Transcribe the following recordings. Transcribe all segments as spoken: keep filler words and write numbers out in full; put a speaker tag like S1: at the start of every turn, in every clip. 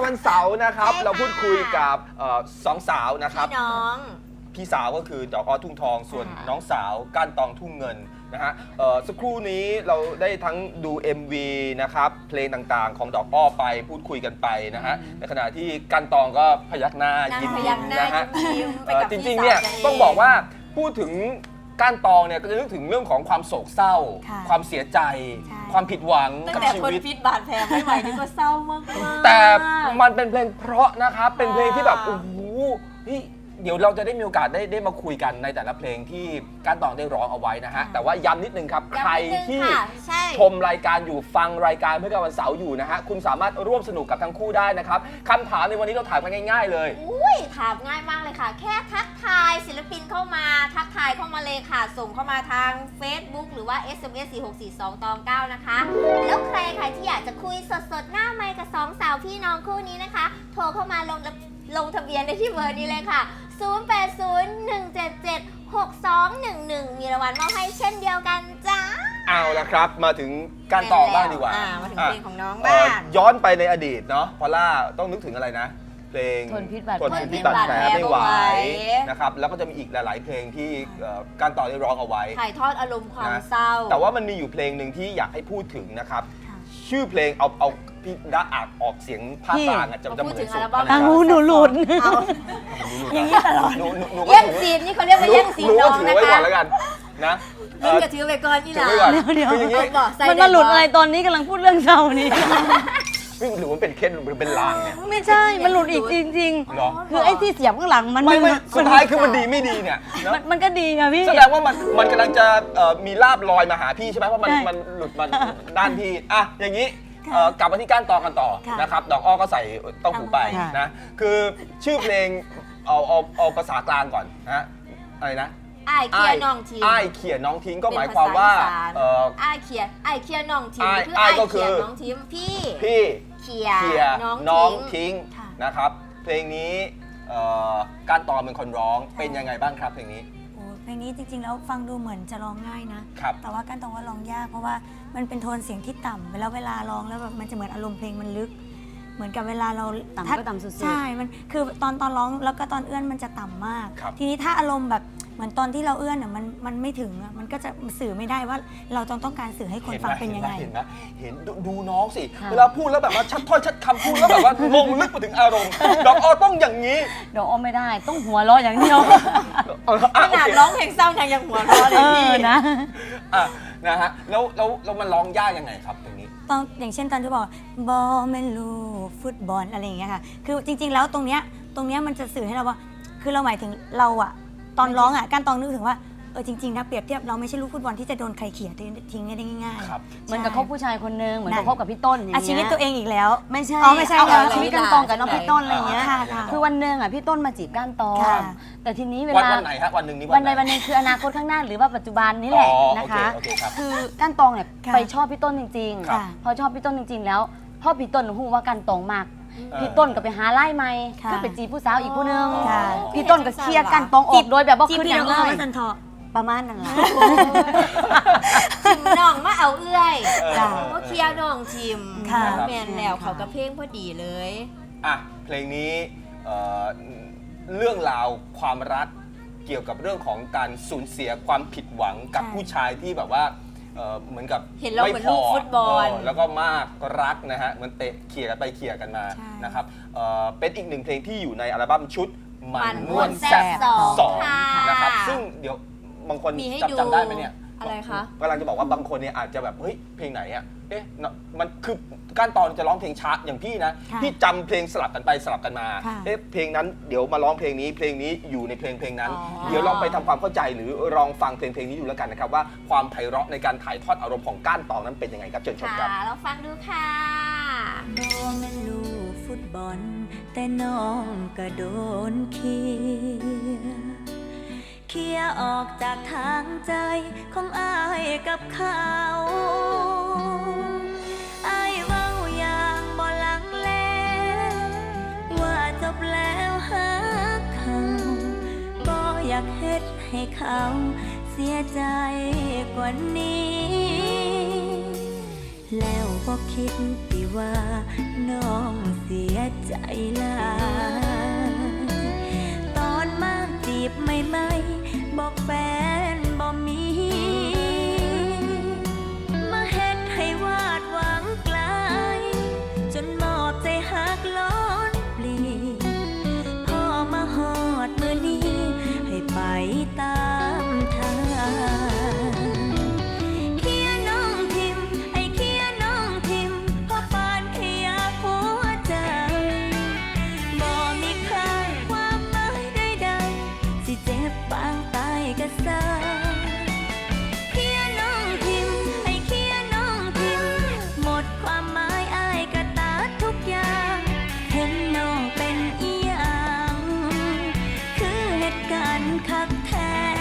S1: วันเสาร์นะครับเราพูดคุยกับสองสาวนะครับ
S2: พี่น้อง
S1: พี่สาวก็คือดอกอ้อทุ่งทองส่วนน้องสาวก้านตองทุ่งเงินนะฮะสักครู่นี้เราได้ทั้งดู เอ็ม วี นะครับเพลงต่างๆของดอกอ้อไปพูดคุยกันไปนะฮะในขณะที่ก้านตองก็พยักหน้ายิ้มนะฮะจริงๆเนี่ยต้องบอกว่าพูดถึงก้านตองเนี่ยก็จะนึกถึงเรื่องของความโศกเศร้าความเสียใจความผิดหวังกับชีวิต
S2: ตั้งแต่คนพิษบาดแผลไม่ไหวนี่ก็เศร้ามากๆ
S1: แต่มันเป็นเพลงเพราะนะครับเป็นเพลงที่แบบโอ้โหเดี๋ยวเราจะได้มีโอกาสได้ได้มาคุยกันในแต่ละเพลงที่ก้านตองได้ร้องเอาไว้นะฮะแต่ว่าย้ำนิดนึงครับใครที่ชมรายการอยู่ฟังรายการเพื่อการวันเสาร์อยู่นะฮะคุณสามารถร่วมสนุกกับทั้งคู่ได้นะครับคำถามในวันนี้เราถามกันง่ายๆเลย
S2: อุ้ยถามง่ายมากเลยค่ะแค่ทักทายศิลปินเข้ามาทักทายเข้ามาเลยค่ะส่งเข้ามาทาง Facebook หรือว่า เอส เอ็ม เอส สี่หกสี่สอง ตองเก้านะคะแล้วใครใครที่อยากจะคุยสดๆหน้าไมค์กับสองสาวพี่น้องคู่นี้นะคะโทรเข้ามาลงลงทะเบียนได้ที่เบอร์นี้เลยค่ะศูนย์ แปด ศูนย์ หนึ่ง เจ็ด เจ็ด หก สอง หนึ่ง หนึ่งมีรางวัลมอบให้เช่นเดียวกันจ้า
S1: เอาละครับมาถึงก้านตองบ้างดีกว่า
S2: มาถึงเพลงของน้องบ้าง
S1: ย้อนไปในอดีตเนาะพอล่าต้องนึกถึงอะไรนะเพลง
S3: ทนพิษบาด
S1: แผลไม่ไหวนะครับแล้วก็จะมีอีกหลายๆเพลงที่ก้านตองได้ร้องเอาไว้
S2: ถ่ายทอดอารมณ์ความเศร้า
S1: แต่ว่ามันมีอยู่เพลงหนึ่งที่อยากให้พูดถึงนะครับชื่อเพลงเอาเอาพี่ดาอากออกเสียงภาคกลางจะจะเหมือนสุด
S3: อ่ะหนูหลุดอย่างนี้ตลอด
S2: แย่งซีนนี่เขาเรียกว่าแย่งซีนน้องนะคะ
S1: ถือไว้ก่อนแล้วกันนะ
S2: นี่ก็ถือไปก่อนนี่แหละ
S3: เดี๋ยวมันมาหลุดอะไรตอนนี้กำลังพูดเรื่องเศร้านี่
S1: หรือว่าเป็นเคสหรือเป็นลางเนี่ย
S3: ไม่ใช่มันหลุดอีกจริงๆคือไอ้ที่เสียบข้างหลังมัน
S1: ไม่สุดท้ายคือมันดีไม่ดีเนี่ย
S3: มันก็ดีค่ะพี่
S1: แสดงว่ามันมันกำลังจะมีลาบลอยมาหาพี่ใช่ไหมเพราะมันมันหลุดมาด้านพี่อ่ะอย่างนี้กลับมาที่ก้านตองกันต่อนะครับดอกอ้อก็ใส่ต้องหูไปนะคือชื่อเพลงเอาเอาเอาภาษากลางก่อนนะอะไรนะ
S2: ไอ้เคียน้องทิ้ง
S1: ไอ้เคียน้องทิ้งก็หมายความว่า
S2: ไอ้เคียไอ้เคียน้องทิ้งคือไอ้เคียน้องทิ้งพี่
S1: พี่
S2: เคีย
S1: น้องทิ้งนะครับเพลงนี้ก้านตองเป็นคนร้องเป็นยังไงบ้างครับเพลงนี้
S4: เพลงนี้จริงๆแล้วฟังดูเหมือนจะร้องง่ายนะแต่ว่าก้านตองว่าร้องยากเพราะว่ามันเป็นโทนเสียงที่ต่ำแล้วเวลาร้องแล้วแบบมันจะเหมือนอารมณ์เพลงมันลึกเหมือนกับเวลาเรา
S3: ต่ำก็ต่ำสุดๆ
S4: ใช่มันคือตอนตอนร้องแล้วก็ตอนเอื้อนมันจะต่ำมากทีนี้ถ้าอารมณ์แบบเหมือนตอนที่เราเอื้อนอ่ะมันมันไม่ถึงอ่ะมันก็จะสื่อไม่ได้ว่าเราต้องต้องการสื่อให้คนฟังเป็นยังไง
S1: เห็นไหมเห็นดูน้องสิเวลาพูดแล้วแบบว่าชัดถ้อยชัดคำพูดแล้วแบบว่าลงลึกไปถึงอารมณ์ดอกอ้อต้องอย่างนี้
S3: ดอกอ้อไม่ได้ต้องหัวเราะอย่างเดียว
S2: ขนาดร้องเพลงเศร้ายังหัวเราะเลยพี่
S3: นะ
S1: นะฮะแล้วแล้วแล้วมันร้องยากยังไงครับตรงนี้
S4: ตอนอย่างเช่นตอนที่บอกบอลแมนลูฟุตบอลอะไรอย่างเงี้ยค่ะคือจริงๆแล้วตรงเนี้ยตรงเนี้ยมันจะสื่อให้เราว่าคือเราหมายถึงเราอะตอนร้องอ่ะก้านตองนึกถึงว่าเออจริงๆนะเปรียบเทียบเราไม่ใช่ลูกฟุตบอลที่จะโดนใครเขี่ยทิ้งได้ง่าย
S3: ๆเหมือนกับคบผู้ชายคนนึงเหมือนกับคบกับพี่ต้นอย่างเงี้ย
S4: ชีวิตตัวเองอีกแล้ว
S3: ไม่ใช่
S4: อ๋อไม่ใช่
S3: ชีวิตก้านตองกับน้องพี่ต้นอะไรเงี้ยคือวันหนึ่งอ่ะพี่ต้นมาจีบก้านตองแต่ทีนี้เวลา
S1: วันไหนฮะวันหนึ่งนี้
S3: วันใดวันหนึ่งคืออนาคตข้างหน้าหรือว่าปัจจุบันนี่แหละนะคะคือก้านตองเนี่ยไปชอบพี่ต้นจริงๆพอชอบพี่ต้นจริงๆแล้วพ่อพี่ต้นหูว่าก้านตองมากพี่ต้นก็ไปหาไล่ไม้ก็ไปจีบผู้สาวอีกผู้นึงพี่ต้นก็เคลียร์กันตองออกโดยแบบว่าขึ้นอย่างเลยประมาณนั้นแหละ
S2: ชิมน้องมาเอาเอื้อยก็เคลียร์น้องชิมแมนแล้วเขาก็เพลงพอดีเลย
S1: อ่ะเพลงนี้เรื่องราวความรักเกี่ยวกับเรื่องของการสูญเสียความผิดหวังกับผู้ชายที่แบบว่าเหมือนกับ
S2: เห็นเราเหมือนลูกฟุตบอล
S1: แล้วก็มากรักนะฮะเหมือนเตะเขี่ยกันไปเขี่ยกันมานะครับเป็นอีกหนึ่งเพลงที่อยู่ในอัลบั้มชุดมันม่วนแซ่บสองนะครับซึ่งเดี๋ยวบางคนจำจำได้ไหมเนี่ย
S2: อะไรคะ
S1: กำลังจะบอกว่าบางคนเนี่ยอาจจะแบบเฮ้ยเพลงไหนอ่ะเอ๊ะมันคือก้านตองจะร้องเพลงช้าอย่างพี่นะพี่จำเพลงสลับกันไปสลับกันมาเอ๊ะเพลงนั้นเดี๋ยวมาร้องเพลงนี้เพลงนี้อยู่ในเพลงเพลงนั้นเดี๋ยวลองไปทำความเข้าใจหรือลองฟังเพลงเพลงนี้ดูแล้วกันนะครับว่าความไพเราะในการถ่ายทอดอารมณ์ของก้านตองนั้นเป็นยังไงครับเชิญชมครับ
S2: เราฟังดูค่ะ
S4: โดนแม่ลูกฟุตบอลแต่น้องก็โดนเคียเคียออกจากทางใจของอ้ายกับเขาอ้ายเว้าอย่างบ่ลังเลว่าจบแล้วหาเขาก็อยากเฮ็ดให้เขาเสียใจกว่านี้แล้วบ่คิดติว่าน้องเสียใจหลายตอนมาจีบใหม่ๆบอกแฟนบ่มี มาเฮ็ดให้วาดหวังไกลจนมอบใจหักล้นปลีพอมาฮอดมือนี้ให้ไปตามทางเคียน้องทิมไอ้เคียน้องทิมเพราะปานขยะหัวใจบ่มีค่าความหมายใดๆสิเจ็บปางตายก็ซาเคียน้องทิมไอ้เคียน้องทิมหมดความหมายอายก็ตัดทุกอย่างเห็นน้องเป็นอีหยังคือเหตุการณ์คักแท้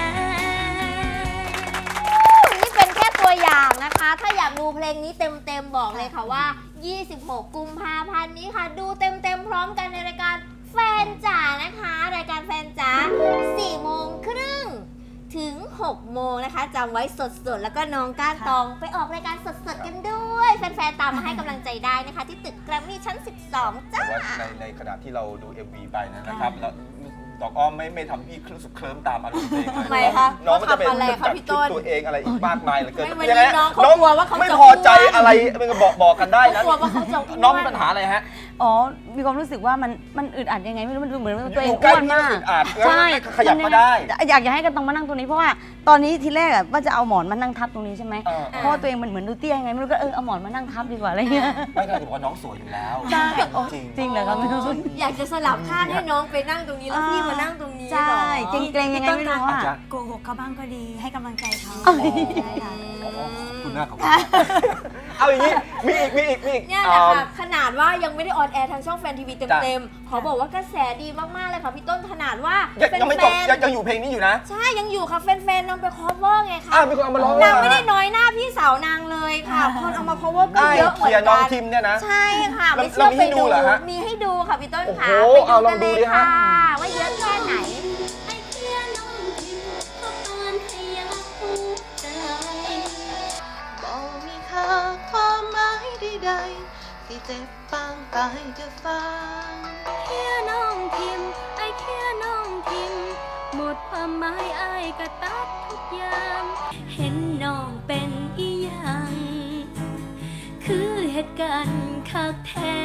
S2: นี่เป็นแค่ตัวอย่างนะคะ ถ้าอยากดูเพลงนี้เต็มๆบอกเลยค่ะว่า ยี่สิบหก กุมภาพันธ์นี้ค่ะ ดูเต็มๆพร้อมกันในรายการแฟนจ๋านะคะ รายการแฟนจ๋า สี่โมงครึ่งถึง หกโมงนะคะจำไว้สดๆ แล้วก็น้องก้านตองไปออกรายการสดๆ กันด้วย แฟนๆ ตามมาให้กำลังใจได้นะคะ ที่ตึกแกรมมี่ชั้น สิบสอง จ้า
S1: แต่ว่าในในขณะที่เราดู เอ็ม วี ไปนะครับแล้วดอกอ้อมไม่ไม่ทำพี่รู้สึกเคลิ้มตามอารมณ์เพลงเลย
S2: ทำไมคะ
S1: น้องก็จะเป็น
S2: เขาทำอะไรคะ
S1: จัด
S2: พี่ต้
S1: ชุด
S2: น
S1: ตัวเองอะไรอีกมากมายเหลือเกิน
S2: ไม่วัน
S1: ยังไง
S2: นี้น้องเขากลัวว่าเขาจะ
S1: ไม่พอใจอะไรมันก็บอกบอกกันได้นะ
S2: เขากลัวว่าเขาจะอ้วน
S1: น้องมีปัญหาอะไรฮะ
S3: อ๋อ มีความรู้สึกว่ามันมันอึดอัดยังไงไม่รู้มันดูเหมือนว่าตัวเอง
S1: อยู่ใกล้
S3: อ้วนมาก
S1: ที่อึดอัดแล้ว
S3: ใช่
S1: ขยับมาได้
S3: อยากอยากให้กันตองมานั่งตรงนี้เพราะว่าตอนนี้ทีแรกอะว่าจะเอาหมอนมานั่งทับตรงนี้ใช่ไหม
S1: เออ
S3: เพราะว่าตัวเองมันเหมือนดูเตี้ยยังไงไม่รู้ก็เออเอาหมอนมานั่งทับดีกว่าอะไรเงี้ย
S1: ไม่ได้ถือว่าน้องสวยอยู่แล้ว
S3: ใช่
S1: จริง
S3: จริงเหรอครับไม่รู้
S2: อยากจะสลับข้างให้น้องไปนั่งตรงนี้แล้วพี่มานั่งตรงนี้
S3: ใช่
S2: เหรอ
S3: เกรงๆยังไงไม่รู้
S1: อา
S3: อ่ะ
S1: จารย์
S4: โกหกเขาบ้างก็ดีให้กำลังใจเขา
S3: เอ้ย
S4: ใช่ค่ะ
S1: ขอบคุณมากขอบคุณมากเอาอย่างนี้มีอีกมีอีกมีอีก
S2: เนี่ยแหละค่ะขนาดว่ายังไม่ได้ออนแอร์ทางช่องแฟนทีวี
S1: จ้ะ
S2: เต็มๆเขาบอกว่ากระแสดีมากๆเลยค่ะพี่ต้นขนาดว่า
S1: ยังยังไม่จบ
S2: แฟน
S1: ยังยังอยู่เพลงนี้อยู่นะ
S2: ๆใช่ยังอยู่ค่ะแฟนๆนำไป cover ไงคะ
S1: อ้าวมีคนเอามาร้อง
S2: นาง
S1: เหรอ
S2: ไม่ได้น้อยหน้าพี่สาวนางเลยค่ะคนเอามา cover ก็
S1: ได้
S2: เยอะเหมื
S1: เคลีย
S2: อน
S1: ร์น้อง
S2: กัน
S1: ทิมเนี่ยนะ
S2: ใช่ค่ะ
S1: แล้ว
S2: ไม่เชื่อ
S1: แล้วมี
S2: ไป
S1: ให้ดู
S2: ดู
S1: เหรอฮะ
S2: มีให้ดูค่ะพี่ต้นค่ะ
S1: โอ้โห
S2: ไป
S1: เอาล
S2: กั
S1: อง
S2: น
S1: ดู
S2: เลย
S1: ดิฮะ
S2: ค่ะว่าเยอะแค่ไหน
S4: ไอ้เคียน้องทิมก็ปานขยะหัวใจบอกมีค่าความหมายใดๆที่เจ็บปางตายจะฟังเคียน้องทิมไอ้เคียน้องทิมหมดความหมายอายก็ตัดทุกอย่างเห็นน้องเป็นอีหยังคือเหตุการณ์คักแท้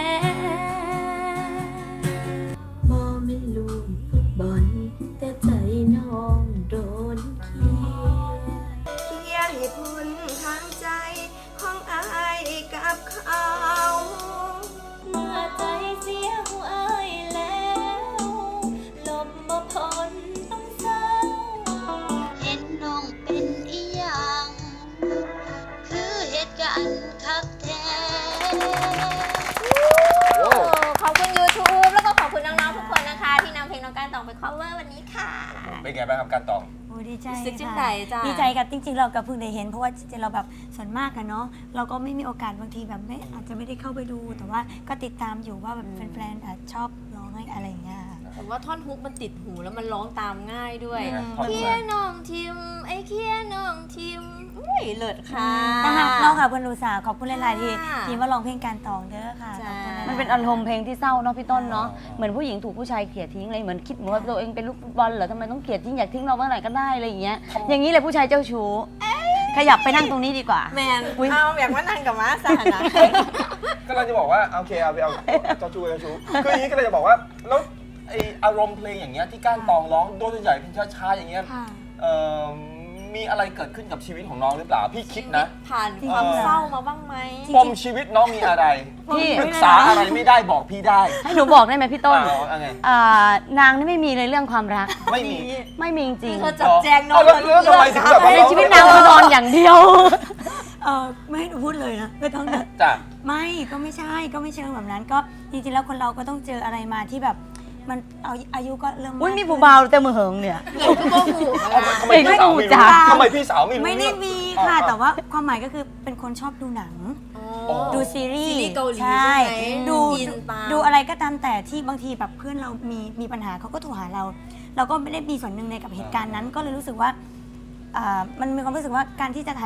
S4: บ่แม่นลูกฟุตบอลแต่ใจน้องโดนเคีย
S5: เคลียร์เหตุผลทางใจของอายกับเขา
S4: เมื่อใจเสียหัวอายแล้วลบบ่พ้นต้องเศร้าเห็นน้องเป็นอีหยังคือเหตุการณ์คักแท้
S2: ขอบคุณ YouTube แล้วก็ขอบคุณน้องๆทุกคนนะคะ ที่นำเพลงน้องการตองไป cover วันนี้ค่ะ
S1: เป็นไงบ้างครับการตอง
S4: โอ้ดีใจ
S2: รู้สึกจัง
S4: ค่ะ
S2: ใดจ้ะ
S4: ดีใจกับจริงๆ เราก็เพิ่งได้เห็นเพราะว่าจริงๆเราแบบส่วนมากอะเนาะเราก็ไม่มีโอกาสบางทีแบบไม่อาจจะไม่ได้เข้าไปดู แต่ว่าก็ติดตามอยู่ว่าแบบแฟนๆอาจชอบร้องอะไรอย่างเงี้ยค่ะ
S2: ผมว่าท่อนฮุกมันติดหูแล้วมันร้องตามง่ายด้วย
S1: อืมท่อน
S2: เคียน้องทิม ไอ้เคียน้องทิมอุ้ยเลิศค่ะ
S4: นะคะน้องค่ะเพื่อนอุตสาห์ขอบคุณหลายๆที่
S2: ค่ะ
S4: ที่มาร้องเพลงการตองเด้อค่ะ
S2: จ้า
S4: ขอบคุณหลายๆ
S3: มันเป็นอารมณ์เพลงที่เศร้าเนาะพี่ต้นเนาะ
S1: อ๋อ
S3: เหมือนผู้หญิงถูกผู้ชายเกลียดทิ้งอะไรเหมือนคิดเหมือนว่าตัวเองเป็นลูกฟุตบอลเหรอทำไมต้องเกลียดทิ้งอยากทิ้งเราเมื่อไหร่ก็ได้อะไรอย่างเงี้ยอย่างนี้เลยผู้ชายเจ้าชู้ขยับไปนั่งตรงนี้ดีกว่า
S2: แมน
S3: อุ๊ย
S2: เอาอยากมานั่งกับม้าสานะ
S1: ก็เราจะบอกว่าโอเคเอาไปเอาเจ้าชู้เจ้าชู้คืออย่างนี้ก็เลยจะบอกว่าแล้วไออารมณ์เพลงอย่างเงี้ยที่ก้านตองร้องโดยส่วนใหญ่เพลงช้าๆอย่างเงี้ย
S4: ค่ะ
S1: เอ่อมีอะไรเกิดขึ้นกับชีวิตของน้องหรือเปล่าพี่คิดนะ
S2: ผ่านความเศร้ามาบ้างไหม
S1: ปมชีวิตน้องมีอะไร
S3: พี่
S1: ปรึกษาอะไรไม่ได้บอกพี่ได้
S3: ให้หนูบอกได้ไหมพี่ต้น
S1: เอาเอาไง
S3: อ่านางนี่ไม่มีเลยเรื่องความรัก
S1: ไม่มี
S3: ไม่มีจริง
S2: เธอจับแจงน้อง
S1: เอาแล้วแล้วทำไมถึงแบบว่า
S3: ในชีวิตนางคือนอนอย่างเดียว
S4: เออไม่ให้หนูพูดเลยนะไม่ต้องนะ
S1: จ้ะ
S4: ไม่ก็ไม่ใช่ก็ไม่เชิงแบบนั้นก็จริงๆแล้วคนเราก็ต้องเจออะไรมาที่แบบมันเอาอายุก็เริ่ม
S3: อุ้ย
S4: าก
S3: มี
S4: ขึ้น
S3: ผู้เบาแต่มือเหิงเนี่ย
S2: เหนื่อยก็โมโห
S1: ทำไมพี่สาวไม่รู้ทำไมพี่สาวไม่รู้
S4: ไม่ได้มีค่ะ
S1: อ่า
S4: แต่ว่าความหมายก็คือเป็นคนชอบดูหนัง
S1: อ๋อ
S4: ดูซีรี
S2: ซี
S4: ส์
S2: รีส์เกาหลี
S4: ใช่
S2: ใช่ไหม
S4: ดู
S2: อินตาม
S4: ดูอะไรก็ตามแต่ที่บางทีแบบเพื่อนเรามีมีปัญหาเขาก็โทรหาเรา เราก็ไม่ได้มีส่วนหนึ่งในกับเหตุการณ์นั้น ก็เลยรู้สึกว่าอ่ามันมีความรู้สึกว่าการที่จะถ่ายทอดใ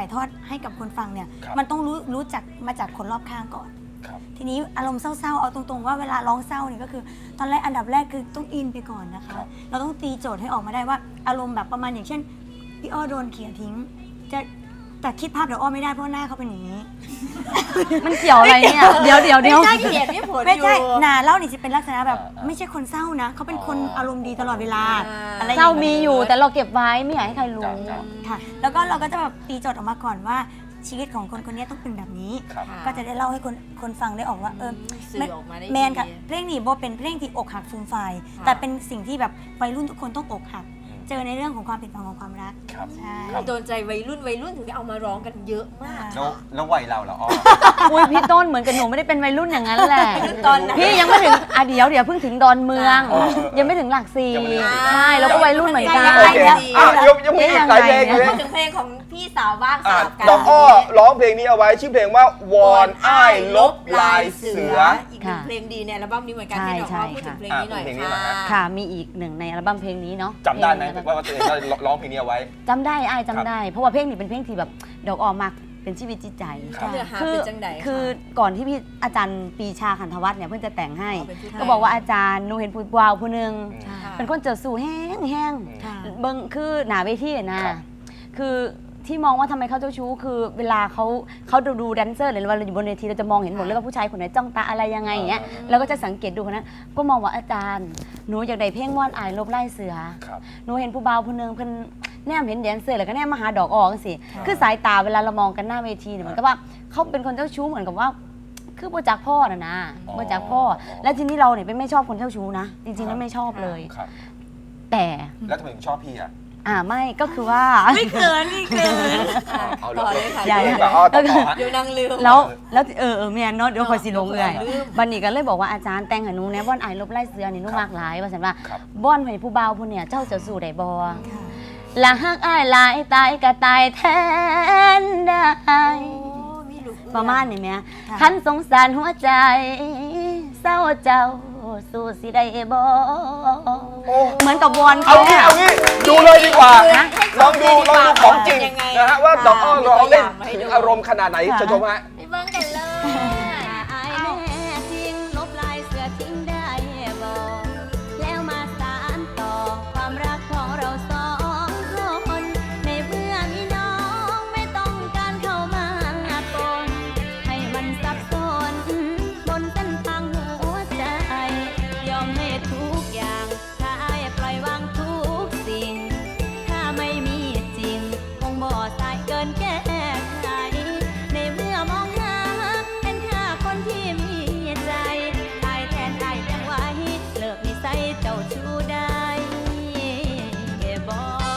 S4: ให้กับคนฟังเนี่ย
S1: ครับ
S4: มันต้องรู้รู้จักมาจากคนรอบข้างก่อน
S1: ครับ
S4: ทีนี้อารมณ์เศร้าๆเอาตรงๆว่าเวลาร้องเศร้าเนี่ยก็คือ ตอนแรกอันดับแรกคือต้องอินไปก่อนนะคะ
S1: ครับ
S4: เราต้องตีโจทย์ให้ออกมาได้ว่าอารมณ์แบบประมาณอย่างเช่นพี่อ้อโดนเขี่ยทิ้งจะแต่คิดภาพเดี๋ยวอ้อไม่ได้เพราะหน้าเขาเป็นอย่างนี้
S3: มันเกี่ยวอะไรเนี่ยเดี๋ยวเดี๋ยวเดี๋ยว
S2: ไม่ใช่เขียนไม่ผล
S4: ไม่ใช่
S2: อยู่
S4: หนาเล่านี่จะเป็นลักษณะแบบ
S1: อ่า
S4: ไม่ใช่คนเศร้านะเขาเป็นคน
S1: อ๋ออ
S4: อารมณ์ดีตลอดเวลา
S2: อ่า
S4: อะไรอย่ง
S3: เศร้า
S4: งี้ย
S3: มีอยู่แต่เราเก็บไว้ไม่อยากให้ใครรู้
S1: จ้ะจ้ะ
S4: ค่ะแล้วก็เราก็จะแบบตีโจทย์ออกมาก่อนว่าชีวิตของคนคนนี้ต้องเป็นแบบนี้
S1: ครับ
S2: ค่ะ
S4: ก็จะได้เล่าให้คนคนฟังได้ออกว่าเออ
S2: สื่อออกมาได้
S4: แมนค่ะ
S2: ดี
S4: เพลงนี้โบเป็นเพลงที่อกหักฟูมไฟาย
S2: ค่ะ
S4: แต่เป็นสิ่งที่แบบวัยรุ่นทุกคนต้องอกหัก เจอในเรื่องของความผิดหวังของความรัก
S1: ครับ
S4: ใช่
S1: ครับ
S2: โดนใจวัยรุ่นวัยรุ่นถึงได้เอามาร้องกันเยอะมาก
S1: แล้วแล้ววัยเราเหรออ้อ
S3: อุ้ยพี่ต้นเหมือนกับหนูไม่ได้เป็นวัยรุ่นอย่างนั้นแหละ
S2: ตอนนั้น
S3: พี่ยังไม่ถึงอ่ะเดี๋ยวเดี๋ยวเพิ่งถึงดอนเมือง
S1: อ๋อเออ
S3: ยังไม่ถึงหลักสี่
S1: ยังไม่ถึงหลักสี่
S3: ใช่แล้วก็วัยรุ่นเหมือนกัน
S2: ยัง
S1: โอ
S2: ไม่
S1: เค
S2: ได้
S1: อ่ะเดี๋ยวยังมีอีกหลายเพลง
S3: ยังไง
S1: เลย
S2: พูดถึงเพลงของพี่สาวบ้างส
S1: อ่ะ
S2: ลับกัน
S1: ดอกอ้อร้องเพลงนี้เอาไว้ชื่อเพลงว่าวอนอ้ายลบลายเสือ
S2: อีกหนึ่งเพลงดีในอัลบั้มนี้เหมือนกันที่ดอกอ้อพูดถึงเพลงนี้หน่อย
S1: อ่ะเพลงนี้
S2: ค่ะ
S1: เหรอฮะ
S3: ค่ะมีอีกหนึ่งในอัลบั้มเพลงนี้เนาะ
S1: จำได้ไหม
S3: เพลง
S1: ว่าว่าตัวเองได้ร้องเพลงนี้เอาไว้
S3: จำได้อ้ายจำได้ เพราะว่าเพลงนี้เป็นเพลงที่แบบดอกออกมากเป็นชีวิตจิตใจ
S1: ครับ
S2: เนื้อหา
S3: คื
S2: เป็นจังไดะ
S3: คือก่อนที่พี่อาจารย์ปรีชาขันธวัฒน์เนี่ยเพื่อนจะแต่งให้
S2: อ๋อเป็นผู้แต่ง
S3: ก็บอกว่าอาจารย์หนูเห็นผู้วาวผู้หนึง
S1: อืม
S2: ค่ะ
S3: เป็นคนเจอสู่แห้งแห้ง
S4: ค่ะ
S3: เบิ้งคือหนาเวทีอะนะครับ คือที่มองว่าทำไมเขาเจ้าชู้คือเวลาเขาเขาดูดูแดนเซอร์หรือว่าเราอยู่บนเวทีเราจะมองเห็นหมดเลยว่าผู้ชายคนไหนจ้องตาอะไรยังไงอย่างเงี้ยเราก็จะสังเกตดูคนนั้นก็มองว่าอาจารย์หนูอยากได้เพลงว่านอายลบไล่เสือ
S1: ครับ
S3: หนูเห็นผู้บ่าวผู้หนึงเพิ่นแนมเห็นแดนเซอร์แล้วก็แนมมาหาดอกออกจังซี่คือสายตาเวลาเรามองกันหน้าเวทีเนี่ยเหมือนกับว่าเขาเป็นคนเจ้าชู้เหมือนกับว่า คือบ่จักพ่อน่ะนะ
S1: อ๋อ
S3: บ่จักพ่อ แล้วทีนี้เราเนี่ยเป็นไม่ชอบคนเจ้าชู้นะจริงๆแล้วไม่ชอบเลย
S1: ครับ
S3: แต่
S1: แล้วทำไมถึงชอบพี่อ่ะ
S3: อ่าไม่ก็คือว่า
S4: ไม่เกินไม่เกิน
S2: อ่ะ
S1: เอา
S2: ต่อเลยค่ะ
S3: อย่า
S1: เดี๋ยวแบบอ้อต่อต่อฮะ
S2: เดี๋ยวนางลืม
S3: แล้วแล้วเออเออแม่นเนาะเดี๋ยวคอยสิลงเอื่อย
S2: ลืม
S3: บันนี้ก็เลยบอกว่าอาจารย์แต่งให้หนูแหน่บ่อนอายลบไล่เสือนี่หนูมากหลายว่าซั่นว่า
S1: ครับ
S3: บ่อนให้ผู้บ่าวผู้เนี่ยเจ้าจะสู้ได้บ่ละฮักอ้ายหลายตายก็ตายแทนได้
S2: โอ้มีลูกเอื้อน
S3: ประมาณนี้แหม่
S4: ค่ะ
S3: คันสงสารหัวใจ เศร้าเจ้าสู้สิได้บ่
S1: โอ้
S3: เหมือนกับวอน
S1: เอา
S3: เขา
S1: งี้
S3: อะ
S1: เอางี้ดูเลยดีกว่า
S2: นะ
S1: ลองดูลองดูของจริง
S2: ยังไง
S1: นะฮะว่าดอกอ้อ
S2: มี
S1: ร้อง
S2: ตัวอ
S1: เล่น
S2: ย่างมาให้
S1: ถึง
S2: ดู
S1: อารมณ์ขนาดไหน
S3: ค่ะ
S1: จะชมฮะ
S2: ไปเบิ่งกันเลย
S3: อายแม่ทิ้งลบลายเสือทิ้งได้บ่แล้วมาสานต่อความรักของเราสองคนในเมื่อมีน้องไม่ต้องการเข้ามาปนให้มันสับสนบนเส้นทางหัวใจ ยอมให้ทุกอย่างถ้าอายปล่อยวางทุกสิ่ง ถ้าไม่มีจริง คงบ่สายเกินแก้ไขในเมื่อมองหาเป็นแค่คนที่มีใจอายแทนอายยังไว้เลิกนิสัยเจ้าชู้ได้บ่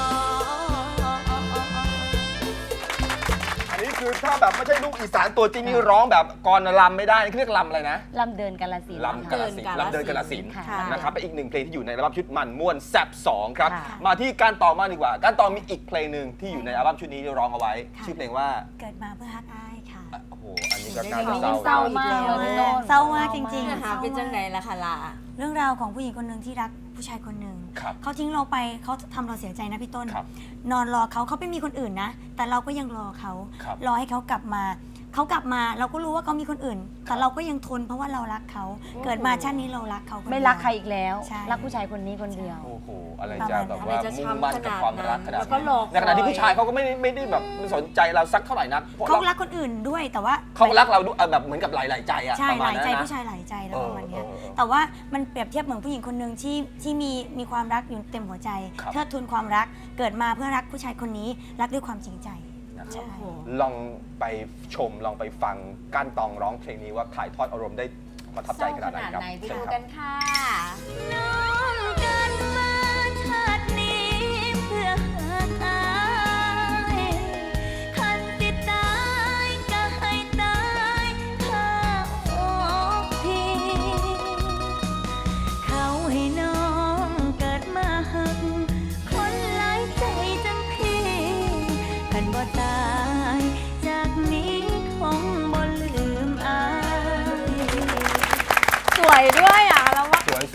S1: อันนี้คือถ้าแบบไม่ใช่ลูกอีสานตัวจริงนี่ร้องแบบกรลำไม่ได้นี่เขาเรียกลำอะไรนะ
S3: ลำเดินกาลสินธุ์
S1: ลำกาลสินธุ์ลำเดินกาลสินธุ์
S3: ค่ะ
S1: นะครับเป็นอีกหนึ่งเพลงที่อยู่ในอัลบั้มชุดมันม่วนแซบสองครับ
S3: ค่ะ
S1: มาที่การต่อมางดีกว่า การต่อมีอีกเพลงหนึ่งที่อยู่ในอัลบั้มชุดนี้ที่ร้องเอาไว้
S4: ค่ะ
S1: ชื่อเพลงว่า
S4: เกิดมาเพื่อฮักอายค่ะ
S1: โอ้โหอันนี้ก็น่า
S2: เดี๋
S1: จะ
S2: ยว
S1: เศร้า
S3: เศร้ามากเลยพี่ต้น
S4: เศร้ามากจริง
S2: เนื้อหาเป็นจังไดล่ะค่ะล่ะ
S4: เรื่องราวของผู้หญิงคนหนึ่งที่รักผู้ชายคนหนึ่ง
S1: ครับ
S4: เขาทิ้งเราไปเขาทำเราเสียใจนะพี่ต้น
S1: ครับ
S4: นอนรอเขาเขาไม่มีคนอื่นนะ แต่เราก็ยังรอเขา
S1: ครับ
S4: รอให้เขากลับมา เขากลับมาเราก็รู้ว่าเขามีคนอื่น แต่เราก็ยังทนเพราะว่าเรารักเขา เกิดมาชาตินี้เรารักเขาคนเดียว
S3: ไม่รักใครอีกแล้ว
S4: ใช่
S3: รักผู้ชายคนนี้คนเดียว
S1: โอ้โหอะไรจะแบบว่า
S2: อะไรจะ
S1: มุ่ง
S2: ช้ำ
S1: มั่นกับความรักขนาด
S2: แล้วก็รอคอย
S1: ในขณะที่ผู้ชายเขาก็ไม่ได้ไม่ได้แบบสนใจเราสักเท่าไหร่นักเพราะ
S4: เขา
S1: เรา
S4: รักคนอื่นด้วยแต่ว่า
S1: เขารักเราด้วยแบบเหมือนกับหลาย ๆ ใจอะ
S4: ใช่
S1: ประ
S4: ห
S1: มาณ
S4: ลาย
S1: นั้น
S4: ใจ
S1: นะ
S4: ผู้ชายหลายใจแล้ว
S1: เออ
S4: ประมาณเนี้ย
S1: เออเออ
S4: แต่ว่ามันเปรียบเทียบเหมือนผู้หญิงคนหนึ่งที่ที่มีมีความรักอยู่เต็มหัวใจ
S1: ครับ
S4: เทิดทูนความรักเกิดมาเพื่อรักผู้ชายคนนี้รักด้วยความจริงใจ
S1: นะครับ
S4: ใช่
S1: ลองไปชมลองไปฟังก้านตองร้องเพลงนี้ว่าถ่ายทอดอารมณ์ได้ประทับใจขนาดไหนครับ
S2: ไหนไป
S1: เชิญ
S2: ดู
S1: ครับ
S2: กันค่ะ
S3: น้องกันมาชาตินี้เพื่อหาอายคันสิตายก็ให้ตายข้าอกพี่ เขาให้น้องเกิดมาหัก คนหลายใจจังพี่คันบ่ตายจากนี้คงบ่ลืมอาย
S2: สวยด้วยอ่ะแล้วว่า
S1: สวยสวย
S2: เพล
S1: โอ้
S2: งนี้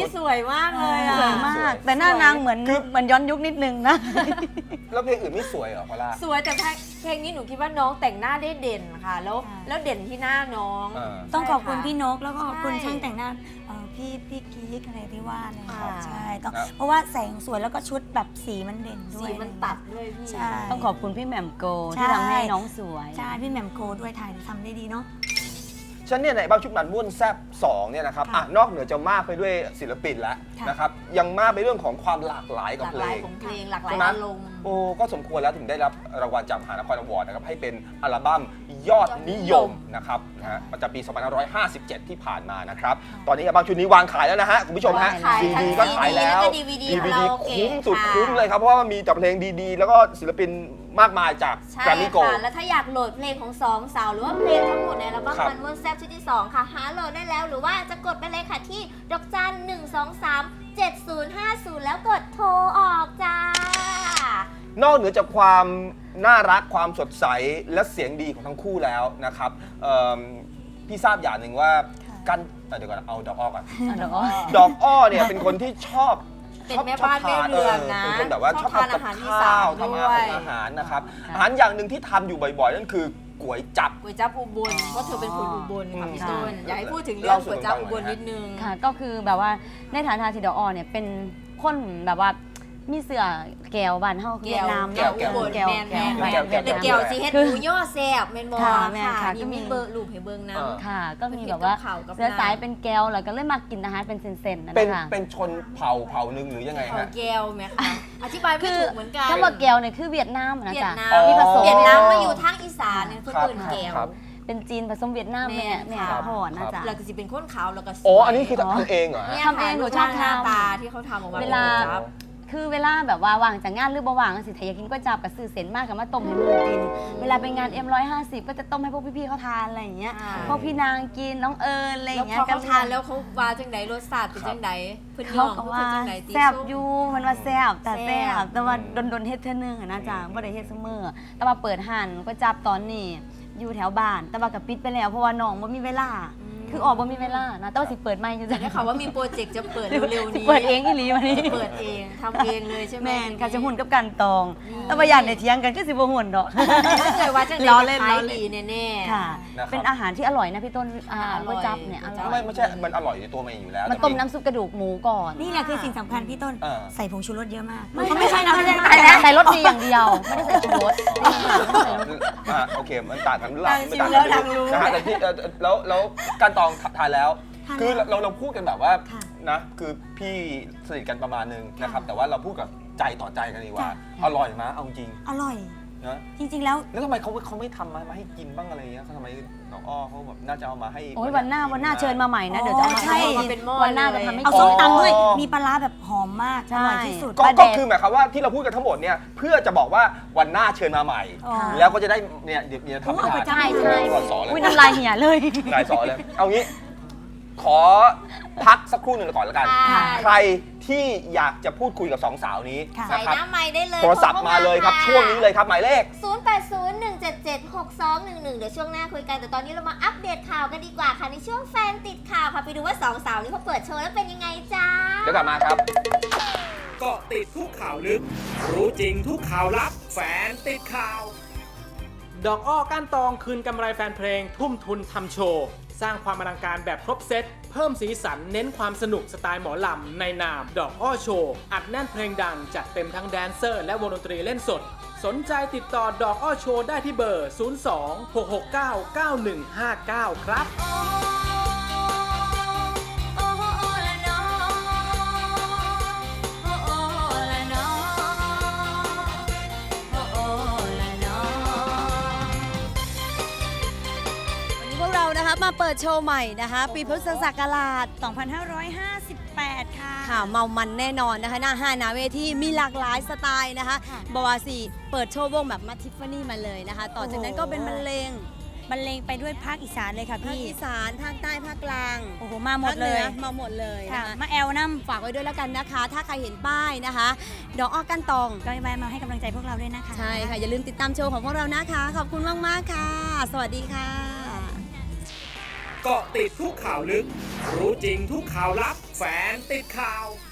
S2: นี้สวยมากเลยอะ
S3: สวยมาก แต่หน้านางเหมือน
S1: คือ
S3: เหมือนย้อนยุคนิดนึงนะ
S1: แล้วเพลงอื่นไม่สวยเหรอพอล่า
S2: สวยแต่เพลงนี้หนูคิดว่าน้องแต่งหน้าได้เด่นค่ะ แล้ว
S4: ค่ะ
S2: แล้วเด่นที่หน้าน้อง
S1: อ่า
S4: ต้องขอบคุณ
S2: ใช่ะ
S4: พี่นกแล้วก็ขอบคุณ
S2: ใช่
S4: ช่างแต่งหน้าเอ่อพี่พี่กิ๊กอะไรที่ว่าเลย
S2: ค่ะ
S4: ใช่ต้อง
S1: ครับ
S4: เพราะว่าแสงสวยแล้วก็ชุดแบบสีมันเด่นด้วย
S2: สีมันตัดด้วยพี่
S4: ใช่
S3: ต้องขอบคุณพี่แหม่มโก
S4: ใช่
S3: ที่ทำให้น้องสวย
S4: ใช่พี่แหม่มโกด้วยถ่ายทำได้ดีเนาะ
S1: ฉันเนี่ยในอัลบั้มชุดมันม่วนแซบสองเนี่ยนะครับ
S4: ค่ะ
S1: อ่ะนอกเหนือจะมากไปด้วยศิลปินแล้ว
S4: ค่ะ
S1: นะครับยังมากไปเรื่องของความหลากหลาย
S2: ห
S1: กับ
S2: ลาก
S1: เพ
S2: ห
S1: ล
S2: ลาย
S1: ง
S2: ของเพลงหลากหลาย
S1: ใช่ไหม
S2: อารมณ์
S1: โอ้ก็สมควรแล้วถึงได้รับรางวัลจากมหานครอวอร์ดนะครับให้เป็นอัลบั้มยอดนิยมนะครับนะฮะประจำปี สองพันห้าร้อยห้าสิบเจ็ด ที่ผ่านมานะครับตอนนี้อัลบั้มชุดนี้วางขายแล้วนะฮะคุณผู้ชมฮะ
S3: ขาย
S1: ซี
S3: ทั้ง
S1: ดีก็ขายแล้ว
S2: ซีดี DVD
S1: ดีวี
S2: คา
S1: ดี
S2: ราโอเกะ
S1: คุ้มสุด
S2: ค่ะ
S1: คุ้มเลยครับเพราะว่ามีแต่เพลงดีๆ แล้วก็ศิลปินมากมายจาก
S2: ใช่
S1: แกรมมี่โกล
S2: ค่ะ แล้วถ้าอยากโหลดเพลงของสองสาวหรือว่าเพลงทั้งหมดในอัลบั้ม
S1: ครับ
S2: มันม่วนแซ่บชุดที่สองค่ะ หาโหลดได้แล้วหรือว่าจะกดไปเลยค่ะที่ดอกจันหนึ่งสองสามเจ็ดศูนย์ห้าศูนย์แล้วกดโทรออกจ้า
S1: นอกเหนือจากความน่ารักความสดใสและเสียงดีของทั้งคู่แล้วนะครับเอิ่มพี่ทราบอย่างหนึ่งว่า
S4: ค่ะ
S1: กันเอ่อเดี๋ยวก่อนเอาดอกอ้อก่อน
S3: อ่ะเดี๋ยวอ้อ
S1: ดอกอ้อเนี่ยเป็นคนที่ชอบ
S2: เป็น
S1: ชอบ
S2: แม่บ้าน
S1: ชอบท
S2: แม่เรือนนะ
S1: เป็นคนแบบว่าชอบ
S2: ชอบทาน
S1: ทำกับ
S2: อาหารอี
S1: ข้า
S2: สาน
S1: ว
S2: ด้
S1: ทำ
S2: วย
S1: อาหารนะครับ
S3: ค่ะ
S1: อาหารอย่างหนึ่งที่ทำอยู่บ่อยๆ นั่นคือก๋วยจับ
S2: ก๋วยจั๊บอุบลเพราะเธอเป็นคนอุบลค่ะพี่
S3: ค่ะ
S2: ต้นอยากให้พูดถึงเรื่องก๋วยจั๊บอุบลนิดนึง
S3: ค่ะ ก็คือแบบว่าในฐานะที่ดอกอ้อเนี่ยเป็นคนแบบว่ามีเสือแก้วบ้านเฮา
S2: แก้ว
S3: เวียดนาม
S2: แก้ว
S3: แก้ว
S2: อุบล
S3: แก้ว
S2: แม่น
S3: แก้ว
S2: แม่น
S3: แก้ว
S1: แก้ว
S2: แต่
S3: แก้ว
S2: เกี่ยวสิเฮ็ด
S3: คือ
S2: หมูย่อแซ่บแม่นบ่
S3: ค่ะแม่น
S2: ค่ะ
S3: ค่ะ
S2: นี่
S3: ก็มี
S2: มีเบอร์รูปให้เบิ่งนำ
S3: ค่ะ ก็มี
S2: เฮ็ด
S3: แบบว่า
S2: กับข้าวกับ
S3: เสือ
S2: น้ำ
S3: สายเป็นแก้วแล้วก็เลยมากินอาหารเป็นเซนๆนะ
S1: เป็น
S3: คะ
S1: เป็นชนเผ่าเผ่าหนึ่งหรือยังไง
S2: เขา
S1: ฮะ
S2: แก้วไหมคะอธิบายไม่ถูกเหมือนกัน
S3: ถ้าว่าแก้วเนี่ยคือเวียดนามนะ
S2: เวีย
S3: จ๊ะ
S2: ดนาม
S1: อ๋อ
S3: ที่ผสม
S2: เวียดนามมาอยู่ทางอีสานเนี่ยเพิ่น
S1: ครับ
S2: เอิ้นแก้ว
S1: ครับ
S3: เป็นจีนผสมเวียดนาม
S2: แม่
S3: แม่แม่
S2: ค่ะ
S3: พ่อนะจ๊ะ
S2: แล้วก็สิเป็นคนขาวแล้วก็สวย
S1: อ๋ออันนี้คือทำเองเหรอฮะ
S2: เนี่ย
S3: ทำเองหนูชอบ
S2: หน้า
S3: ทำ
S2: ตาที่เขาทำออกมา
S3: เว
S2: เป็น
S3: ลา
S2: ก๋วยจั๊บ
S3: คือเวลาแบบว่าว่างจากงานหรือบ่ว่างสิถ้าอยากกินก๋วยจั๊บกับซื้อเส้นมากกับมาต้มให้หมูกิน เวลาไปงาน เอ็ม ร้อยห้าสิบ ก็จะต้มให้พวกพี่ๆเขาทานอะไรอย่างเงี้ย
S2: อ่า
S3: พวกพี่นางกินน้องเอิญอะไรอ
S2: แล้ว
S3: ย่างเงี้ย
S2: พอเขาทานแล้วเขาว่าจังไดรสชาติเป็นจังไดเพิ่นย
S3: เขา
S2: อม
S3: ก็
S2: เพิ่
S3: ว่าน
S2: จังไดติ
S3: แซ่บ
S2: ส้ม
S3: อยู่มันว่าแซ่บแต่
S2: แซ่
S3: แซ่
S2: บบ
S3: แต่ว่าโดนๆเฮ็ดเท่อนึงอะนะจ๊ะบ่ได้เฮ็ดซุมื้อแต่ว่าเปิดห้านก๋วยจั๊บตอนนี้อยู่แถวบ้าน แต่ว่าก็ปิดไปแล้วเพราะว่าน้องบ่มีเวลา คือออกบ่มีเวลานะแต่ว่าสิเปิดใหม่อยู่
S2: แต่
S3: จ้ะ
S2: ได้ข่าวว่ามีโปรเจกต์จะเปิดเร็วๆนี้
S3: เปิดเองอีหลีวันนี้
S2: จะเปิดเองทำเองเลยใช่ไหม
S3: แม่นค่ะจะหุ่นกับกันตอง แต่ว่าอย่างในเถียงกันก็สิบ่หุ่นดอก
S2: ถ้าเกิดว่าจังได
S3: ล้อ
S2: จะ
S3: เล่น
S2: ขา
S3: ล้อย เล่น
S2: ดีแน่ๆ
S3: ค่ะ
S1: นะครับ
S3: เป็นอาหารที่อร่อยนะพี่ต้นอ่า
S2: อร่อย
S3: ก๋วยจั๊บเนี่ยอร่อย
S1: ไม่ไม่ใช่ มันอร่อยในตัวมันอยู่แล้ว
S3: มันต้มน้ำซุปกระดูกหมูก่อน
S4: นี่แหละคือสิ่งสำคัญพี่ต้น
S1: เออ
S4: ใส่ผงชูรสเยอะมาก
S3: ไม่
S4: เขาไม่ใช่นะไม่ใช่
S3: ใส่แล้วใส่รสดีอย่างเดียว ไม่ได้ใส่ชูรส
S1: อ่ะโอเค มันต่างกันหรือเป
S2: ดั
S1: ล่าง
S2: ชิ
S1: ไม่
S2: ม
S1: ต่าง
S2: แล้
S1: กั
S2: วน ดังรู้
S1: นะฮะแต่ที่เอ่อแล้วแล้วการตองทานแล้ว
S4: ทานแล้ว
S1: คือเราเราพูดกันแบบว่า
S4: ค่ะ
S1: นะคือพี่สนิทกันประมาณนึงนะครับ แต่ว่าเราพูดกับใจต่อใจกันดีกว่า
S4: จ้ะ
S1: อร่อยมะเอาจริง
S4: อร่อย
S1: นะ
S4: จริงๆแล้ว
S1: แล้วทำไมเขาเขาไม่ทำมามาให้กินบ้างอะไรเงี้ยเขาทำไมน้องอ้อเขาแบบน่าจะเอามาให้
S3: โอ้ยวันหน้าวันหน้าเชิญมาใหม่นะ เดี๋ยวจะเอามา
S4: ใช่
S3: ให้
S2: มาเป็นหม้อ
S3: วันหน้า
S2: เลย
S3: จะทำให้
S4: เอา
S3: กิน
S4: ส้มตำด้วย
S1: อ๋อ
S4: มีปลาร้าแบบหอมมาก
S3: ใช่
S4: อร่อยที่สุด
S1: ก็
S3: ประเด็
S1: ก็
S3: น
S1: คือหมายความว่าที่เราพูดกันทั้งหมดเนี่ยเพื่อจะบอกว่าวันหน้าเชิญมาใหม่
S4: อ๋อ
S1: แล้วก็จะได้เนี่ยเดี๋ยวเดี๋ยวทำให้
S4: โอ้เอาไป
S1: ทาน
S3: ใช่ใช่
S1: ก่อนสอนเลย
S3: อุ้ยน้ำลายเหี่ยเลย
S1: นายสอนเลย เอางี้ ขอพักสักครู่หนึ่งก่อนแล้วกัน
S2: ค่ะ
S1: ใครที่อยากจะพูดคุยกับสองสาวนี้
S4: ค่ะ
S2: ใส่
S1: นะครับ
S2: น้ำใหม่ได้เลย
S1: โทรศัพท์มาเลยครับ ช่วงนี้เลยครับ หมายเลข
S2: ศูนย์ แปด ศูนย์ หนึ่ง เจ็ด เจ็ด หก สอง หนึ่ง หนึ่ง เดี๋ยวช่วงหน้าคุยกัน แต่ตอนนี้เรามาอัปเดตข่าวกันดีกว่าค่ะ ในช่วงแฟนติดข่าวค่ะ ไปดูว่าสองสาวนี้เขาเปิดโชว์แล้วเป็นยังไงจ้า
S1: เดี๋ยวกลับมาครับ
S6: เกาะติดทุกข่าวลึก รู้จริงทุกข่าวลับ แฟนติดข่าว ดอกอ้อก้านตองคืนกำไรแฟนเพลง ทุ่มทุนทำโชว์ สร้างความอลังการแบบครบเซตเพิ่มสีสันเน้นความสนุกสไตล์หมอลำในนาม ดอกอ้อโชว์ อัดแน่นเพลงดังจัดเต็มทั้งแดนเซอร์และวงดนตรีเล่นสด สนใจติดต่อดอกอ้อโชว์ได้ที่เบอร์ ศูนย์ สอง หก หก เก้า เก้า หนึ่ง ห้า เก้า ครับ
S3: วันนี้พวกเรานะคะมาเปิดโชว์ใหม่นะคะ ปีพุทธศักราช
S4: สองพันห้าร้อยห้าสิบแปด ค่ะ
S3: ค่ะเมามันแน่นอนนะคะ หน้าห้าหนาเวทีมีหลากหลายสไตล์นะคะ
S4: ค่ะ
S3: บวาสีเปิดโชว์วงแบบมาทิฟฟานี่มาเลยนะคะ ต่อจากนั้นก็เป็นบรรเลง
S4: บรรเลงไปด้วยภาคอีสานเลยค่ะ
S3: ภาค
S4: พี่
S3: อีสานภาคใต้ภาคกลาง
S4: โอ้โห มาหมดเลย
S3: ภาคหนือมาหมดเลย
S4: ค่ะ
S3: นะคะ
S4: มาแอลน้
S3: ฝากไว้ด้วยแล้วกันนะคะ ถ้าใครเห็นป้ายนะคะ ดอกอ้อกันตอง
S4: ำก็แวะมาให้กำลังใจพวกเราด้วยนะคะ
S3: ใช่ค่ะ อย่าลืมติดตามโชว์ของพวกเรานะคะ ขอบคุณมาก ๆ ค่ะ สวัสดีค่ะ
S6: เกาะติดทุกข่าวลึก รู้จริงทุกข่าวลับ แฟนติดข่าว